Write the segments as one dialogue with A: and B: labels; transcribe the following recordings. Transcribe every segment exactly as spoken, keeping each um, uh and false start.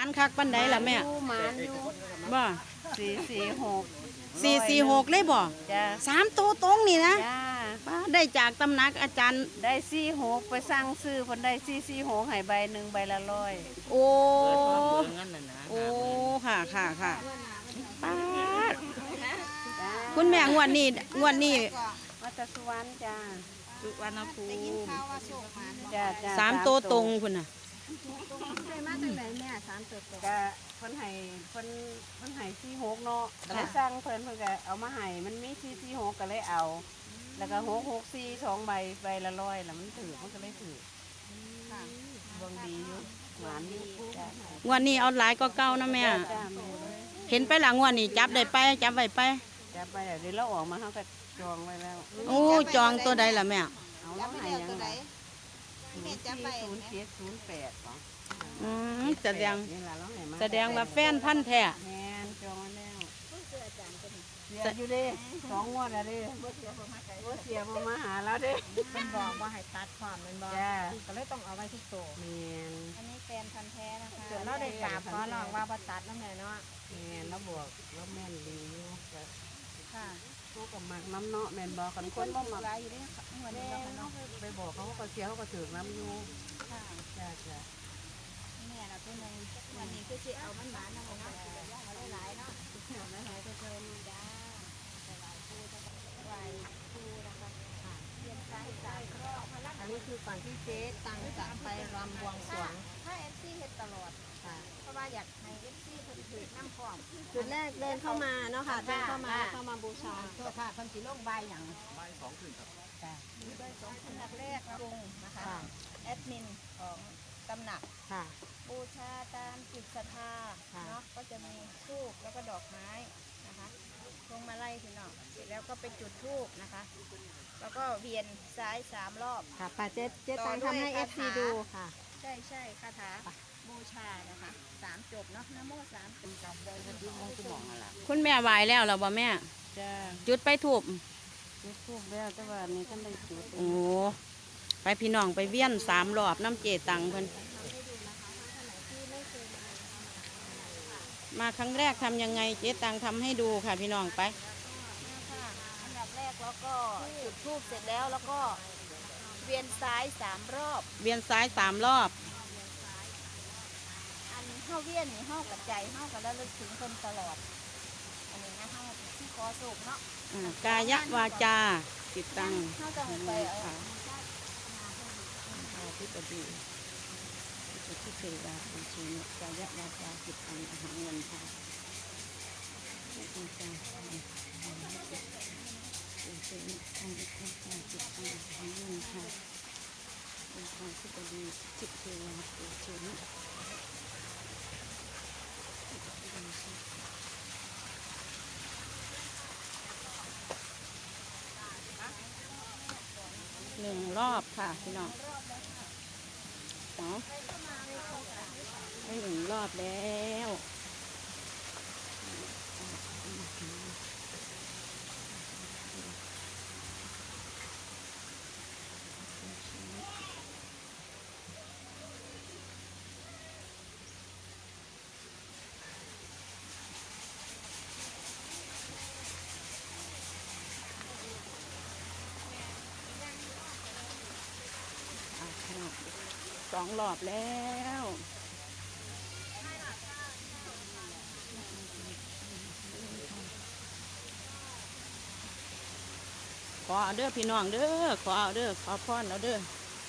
A: คักปันใดล่ะแม่
B: หมานอยู่
A: บ่
B: สี่สี่หก
A: สี่สี่หกเลยบ่
B: จ้า
A: สามตัวตรงนี่นะ
B: จ้า
A: ได้จากตำหนักอาจารย์
B: ได้สี่หกไปสั่งซื้อคนได้สี่สี่หกให้ใบหนึ่งใบละร้อย
A: โอ้
C: โอ้
A: ค่ะค่ะค่ะป้าคุณแม่งวดนี้งวดนี้
B: วัดสุวรรณจ้า
C: สุวรรณภูมิ
B: จ้าจ้า
A: สามตัวตรงคุณน่ะ
B: ได้มาจากไหนแม่สามตัวตรงก็เพิ่นให้เพิ่นเพิ่นให้สี่หกเนาะก็เลยสั่งเพิ่นเพิ่นก็เอามาให้มันมีสี่สี่หกก็เลยเอา แล้วก็หกหกสี่สองใบใบละร้อยแล้วมันถือมันก็เลยถือดวงดีอยู่หวานดี
A: งวดนี้เอาหลายก็เก่านะแม่เห็นไปหลังงวดนี้จับได้ไปจับไว้ไป
B: จับไปเดี๋ยวเราออกมาเขาก็จองไว้แล้ว
A: โอ้จองตัวใดล่ะแม่
B: เอาแล้วให้ยังไงศูนย์ศูนย์เจ็ดศูนย์แปด
A: อืมแสดงแสดงว่าแฟนพันแท้
B: แมนจองแล้วเสียอยู่ดิสองงวดแล้วดิว่าเสียมาหาแล้วดิ
C: เป็นบอกว่าให้ตัดความเป็นบอกก็เลยต้องเอาไว้ทุกตัว
B: แมน
C: อันนี้แฟนพันแท้นะคะส่วนเราได้กราบขอลองว่าประตัดน้ำแม่เนาะ
B: แมนแล้วบวกแล้วแม่นดีอยู่
C: ค่ะ
B: เขากับหมักน้ำเนาะแมนบอกคนคนบ่หมัก
C: อยู่ด้วยเหมือนเรา
B: ไปบอกเขาก็เสียเขาก็ถือน้ำอยู่
C: ค่ะ
B: จ้าจ้า
C: แม่เราตัวนึงวันนี้คือสิเอามันหมาเนาะเนาะเอาหลายเนาะเอาหลายๆก็เจอมาจ้าหลายคู่จะไหวคู่นะคะเรียนสายสายรอบ
B: อันนี้คือก่อนที่เจ๊ตังจะไปรำบวงสรวง
C: ถ้าเอฟซีเห็นตลอดเพราะว่าอยากให้เอฟซีเพิ่นถือน้ำพร้อม
B: จุดแรกเดินเข้ามาเนาะค่ะเดินเข้ามาเข้ามาบูชา
C: ตัวค่ะคนสีล่งใบอย่าง
D: ใบสองขึ้นครับ
C: จ้าใบสองขึ้นแรกปรุงนะคะแอดมินของตำหนัก
B: ค่ะ
C: บูชาตามจิตศรัทธาเนาะก็จะมีธูปแล้วก็ดอกไม้นะคะพวงมาลัยพี่น้องเสร็จแล้วก็ไปจุดธูปนะคะแล้วก็เวียนซ้ายสามรอบ
B: ค่ะป้าเจ๊เจ๊ตังทำให้เอฟซีดูค่ะ
C: ใช่ใช่คาถาบูชานะคะสามจบเนาะนะโมสามจบได้ก็ยุ่งสมองอะไร
A: คุณแม่ไหวแล้วเหรอบ่แม่
B: จ้า
A: จุดไปถูก
B: จุดทูบแล้วแต่ว่านี่ท่านได้จุด
A: โอ้ไปพี่น้องไปเวียนสามรอบน้ำเจตังเพิ่นมาครั้งแรกทำยังไงเจ๊ตังทำให้ดูค่ะพี่น้องไป
C: อันดับแรกแล้วก็จุดธูปเสร็จแล้วแล้วก็เวียนซ้ายสามรอบ
A: เวียนซ้ายสามรอบ
C: อันเข้าเวียนนี่เข้ากับใจเข้ากับแล้วลึกถึงคนตลอดอันนี้นะเข้าที่คอสูบเนาะ
A: กายวาจาจิตตัง
C: เข้าจะไป
A: ค่ะที่ปฏิที่เทวาเป็นชีวิตกายวาจาจิตตังอาหารเงินค่ะจิตตังเป็นชีวิตทางจิตตังจิตตังอาหารเงินค่ะเป็นทางที่ปฏิจิตเทวาเป็นชีวิตหนึ่งรอบค่ะพี่น้องเนาะได้หนึ่งรอบแล้วสองรอบแล้วขอเอาเด้อพี่น้องเด้อขอเอาเด้อขอพรเอาเด้อ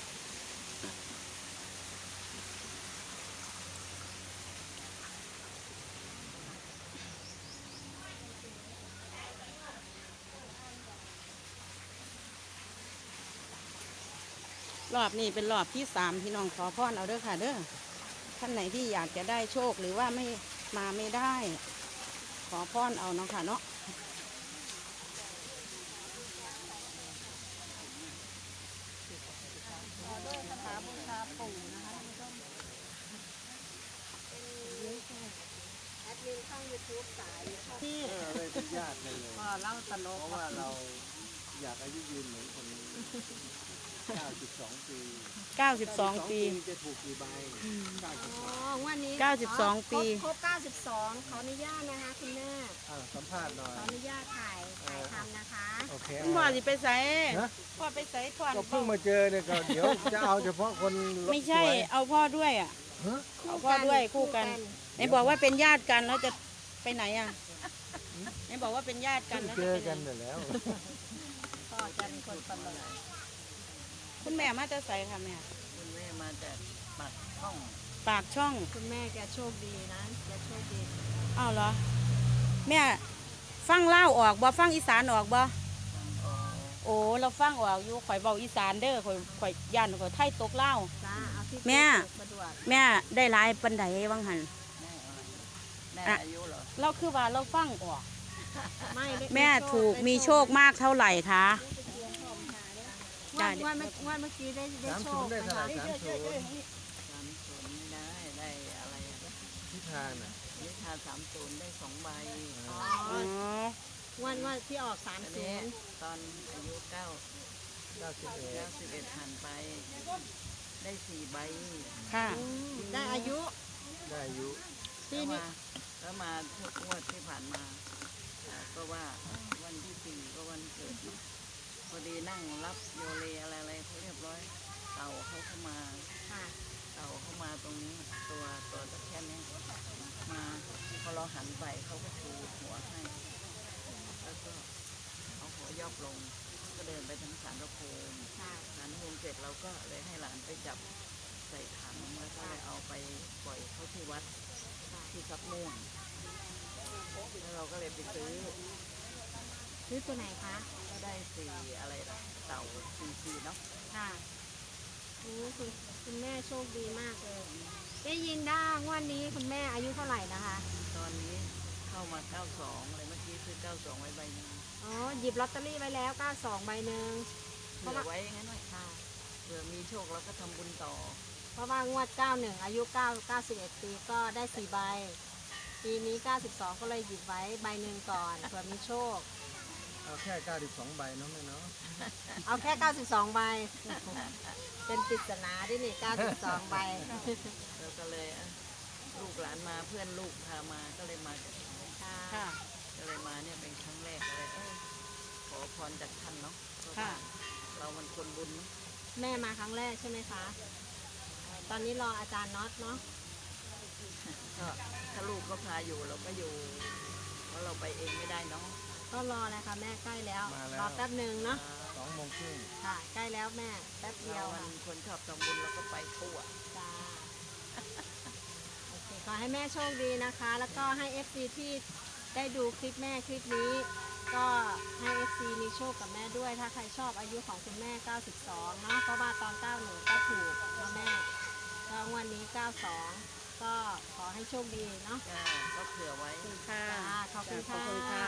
A: รอบนี้เป็นรอบที่สามพี่น้องขอพรเอาเด้อค่ะเด้อท่านไหนที่อยากจะได้โชคหรือว่าไม่มาไม่ได้ขอพรเอาเนาะค่ะเนาะ
C: ด้วยคาถาบูชาปู่นะคะแอดมินช่องยูทูบสาย
D: ที่อะไรเป็นญาติเลย
B: ก็เล่าตลก
D: เพราะว่าเราอยากอายุยืนเหมือนคนนี้เก้าสิบสองปี
A: เก้าสิบสองปี
D: จะถูกกี่ใบเก้าสิบส
C: อ๋
D: อ
C: อง วันนี้
A: เก้าสิบสองปี
C: ครบครบเก้าสิบสองขออนุญาตนะคะคุณแม่
D: อ่าสัมภาษณ์หน่อย
C: ขออนุญาตถ่ายถ่ายทำนะคะ
D: โอเค
A: คุณพ่อสิไปใส่
D: ฮะ
A: พ่อไปใส่พ่อ
D: ก็เพิ่งมาเจอเนี่ยก็เดี๋ยวจะเอาเฉพาะคน
A: ไม่ใช่
D: สวย
A: เอาพ่อด้วยอ่ะ
D: ฮะ
A: เอาพ่อด้วยคู่กันไหนบอกว่าเป็นญาติกันแล้วจะไปไหนอ่ะไหนบอกว่าเป็นญาติกัน
D: เพิ่ง
A: แล้ว
D: เจ
A: จะ
D: อ
A: ไปไหน
D: กันอยู่แล้ว
C: พ่อจะเป็นคนตลก
A: คุณแม่มาจะใส่ค่ะแม่
B: คุณแม่มาจากปากช่อง
A: ปากช่อง
C: คุณแม่แกโชคดีนะแกโชคดี
A: อ้าวเหรอ แม่ฟังเล่าวออกบ่ฟังอีสานออกบ่ โอ้เราฟังออกอยู่ข่อยเบาอีสานเด้อข่อยข่อยย่านข่อยไทยตกเล่าว
C: จ้าเอาที่
A: แม่
C: สะดวก
A: แม่ได้หลายปันไดวังหัน
B: แม่อายุเหรอ
A: เราคือว่าเราฟังออก
C: ไม่ได้
A: แม่ถูกมีโชคมากเท่าไหร่คะ
C: งวดงวดเมื่องวดเมื่อกี้ได้ได้
D: สาม
C: โช
D: ศู
C: คน
D: ย์ได้
C: ไหม
D: เท่าไหร่
C: คะ
D: สามศูนย์
B: สามศูนย์ไม่ได้ได้อะไรอะ
D: พิธานอ่ะ
B: นิทาสามศูนย์ได้สองใบ
C: อ๋อ
A: อ๋อ
C: งวดงวดที่ออกสาม
B: อัน
C: ศู
B: นี้
C: นย์
B: ตอนอายุเก้า
D: เก้าสิบเอ็ด
B: เก้าสิบเอ็ดผ่านไป ได้สี่ใบ
A: ค่ะ
C: ได้อายุ
D: ได้อายุ
C: ที่
B: แล้ว
C: นี่
B: มาแล้วมาทุกงวดที่ผ่านมาอ่าก็ว่าวันที่สี่ก็วันเกิดเนอะพอดีนั่งรับโยเลอะไรอะไรเขาเรียบร้อย เต่าเขาเข้ามา
C: ค่ะ
B: เต่าเข้ามาตรงนี้ตัวตัวตะแค่นี้มาพอเราหันไปเขาก็ชูหัวให้ แล้วก็เอาหัวยอบลง ก็เดินไปทางศาลพระภูมิ
C: ค่ะ
B: ศาลพระภูมิเสร็จเราก็เลยให้หลานไปจับใส่ถังแล้วก็เลยเอาไปปล่อยเขาที่วัดที่ซับม่วงแล้วเราก็เลยไปซื้อ
C: ซื้อตัวไหนคะ
B: ก็ได้สี่อะไรล่ะเต่าซีซีเนาะ
C: ค่ะโอ้คุณคุณแม่โชคดีมากเลย ได้ยินได้งวดนี้คุณแม่อายุเท่าไหร่นะคะ
B: ตอนนี้เข้ามาเก้าสองเลยเมื่อกี้ซื้อเก้าสองไว้ใบหนึง
C: อ๋อ หยิบลอตเตอรี่ไว้แล้วเก้าสองใบหนึ่ง
B: เผื่อไว้งั้นหน่อยค่ะเผื่อมีโชคเราก็ทำบุญต่อ
C: เพราะว่างวดเก้าหนึ่งอายุเก้า เก้าสิบเอ็ดปีก็ได้สี่ใบ ปีนี้เก้าสิบสองก็เลยหยิบไว้ใบหนึ่งก่อนเผื่อมีโชค
D: เอาแค่เก้าสิบสองใบเนาะแม่เนาะ
C: เอาแค่เก้าสิบสองใบ เป็นปริศนาด้วยนี่เก้าสิบสองใบ
B: แล้วก็เลยอ่ะลูกหลานมาเพื่อนลูกพามาก็เลยมากัน
C: ค่ะ
A: ค่ะ
B: ก็เลยมาเนี่ยเป็นครั้งแรกเลยเออขอพรจากท่านเนาะเพราะ
A: ค่ะ
B: ว่าเรามันคนบุญเนอะ
C: แม่มาครั้งแรกใช่ไหมคะ ตอนนี้รออาจารย์น็อตเนาะ
B: ก็ถ้าลูกก็พาอยู่เราก็อยู่เพราะเราไปเองไม่ได้เนาะ
C: ก็รอเลยค่ะแม่ใกล้แล้ว
D: มาแล้ว
C: รอแป๊บหนึ่งเนาะ
D: สองโมงครึ่ง
C: ค่ะ ใกล้แล้วแม่แป๊บเดีย
B: เรา
C: ว
B: มัน
C: ค่ะ
B: คนชอบทำบุญเราก็ไปทั่ว
C: จ้าโอเคขอให้แม่โชคดีนะคะ แล้วก็ให้ เอฟ ซี ที่ได้ดูคลิปแม่คลิปนี้ ก็ให้ เอฟ ซี มีโชคกับแม่ด้วย ถ้าใครชอบอายุของคุณแม่ เก้าสิบสอง เนาะเพราะว่าตอน เก้าหนึ่ง ก็ถูกเนาะแม่ก็งวันนี้ เก้าสอง ก็ขอให้โชคดีเนาะ
B: ก็ก็เผื่อไว้
A: ค่ะ
C: จ้าขอบคุณ
A: ขอบ
C: ค่ะ
A: คุณค่ะ